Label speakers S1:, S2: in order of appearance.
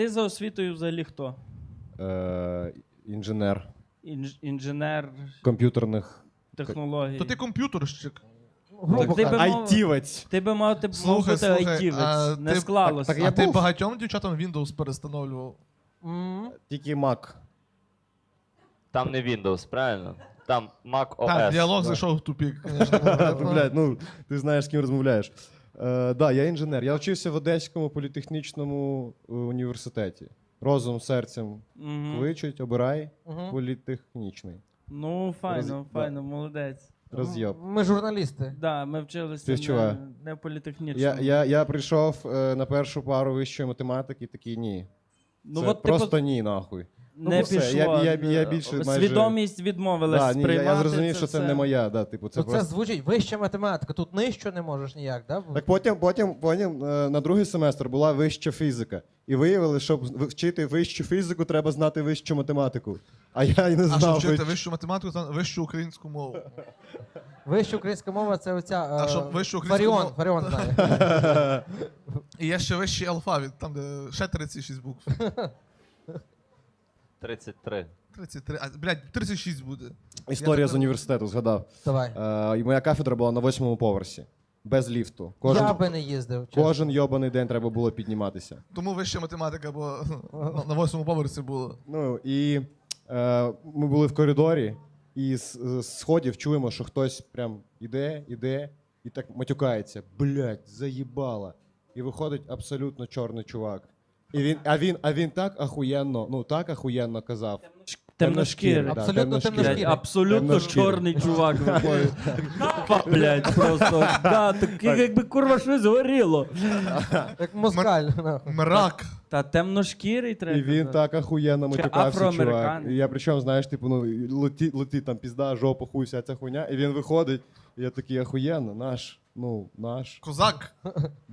S1: Ти за освітою взагалі хто?
S2: Інженер
S1: Інженер
S2: комп'ютерних.
S1: технологій.
S3: То ти комп'ютерщик.
S1: Так ти би мав-
S2: Айтівець.
S1: Ти би мав бути
S3: Слухай,
S1: айтівець. Не
S3: ти-
S1: склалося.
S2: так я
S3: А ти
S2: був.
S3: багатьом дівчатам Windows перестановлював?
S2: Тільки Mac.
S4: Там не Windows, правильно? Там Mac OS.
S3: Так, діалог зайшов в тупік, звісно.
S2: Блядь, ну, ти знаєш, з ким розмовляєш. Да, я інженер. Я вчився в Одеському політехнічному університеті. Розум, серцем
S1: Мгм.
S2: кличуть, обирай. Політехнічний.
S1: Ну, файно,
S2: Роз-
S1: файно, молодець.
S2: Роз'єб.
S5: Ми журналісти.
S1: Да, ми вчилися
S2: Співчуваю.
S1: не політехнічно.
S2: Я прийшов на першу пару вищої математики і такий ні.
S1: Ну,
S2: Це
S1: от,
S2: просто
S1: типу,
S2: ні, нахуй.
S1: не
S2: ну, все,
S1: пішло.
S2: я більше майже-
S1: Свідомість відмовилась
S2: Да, ні,
S1: сприймати
S2: я зрозумів, що це
S1: все.
S2: не моя. Да, типу, це
S5: Це
S2: просто...
S5: звучить вища математика. Тут нижче не можеш ніяк, да?
S2: Так потім на другий семестр була вища фізика. І виявили, щоб вчити вищу фізику, треба знати вищу математику. А я й не
S3: А щоб
S2: знав.
S3: вчити вищу математику, та вищу українську мову.
S5: Вища українська мова це оця.
S3: А щоб вищу українську мову-
S5: Фаріон знає.
S3: І є ще вищий алфавіт, там де ще 36 букв.
S4: 33.
S3: 33, блядь, 36 буде.
S2: Історія
S3: Я
S2: з університету, згадав.
S5: Давай.
S2: І моя кафедра була на 8-му поверсі. Без ліфту.
S5: Я би не їздив. чесно.
S2: Кожен йобаний день треба було підніматися.
S3: Тому вища математика, бо на 8-му поверсі було.
S2: Ну і ми були в коридорі, і з сходів чуємо, що хтось прям іде, і так матюкається. Блядь, заїбала. І виходить абсолютно чорний чувак. А він так ахуєнно казав.
S1: Темношкірий.
S2: да,
S5: Абсолютно
S1: Блядь,
S5: темношкірий.
S1: абсолютно
S2: Темношкірий.
S1: чорний чувак виходить. Блядь, просто. Да, так якби курва щось горіло.
S5: Як москаль. нахуй.
S3: Мрак.
S1: Та темношкірий треба.
S2: І він так ахуєнно
S1: Чи
S2: матюкався, чувак.
S1: афроамериканець.
S2: І я причому, знаєш, типу, ну, летить там пізда, жопа, хуй, вся ця хуйня. І він виходить, і я такий ахуєнно, наш.
S3: Козак.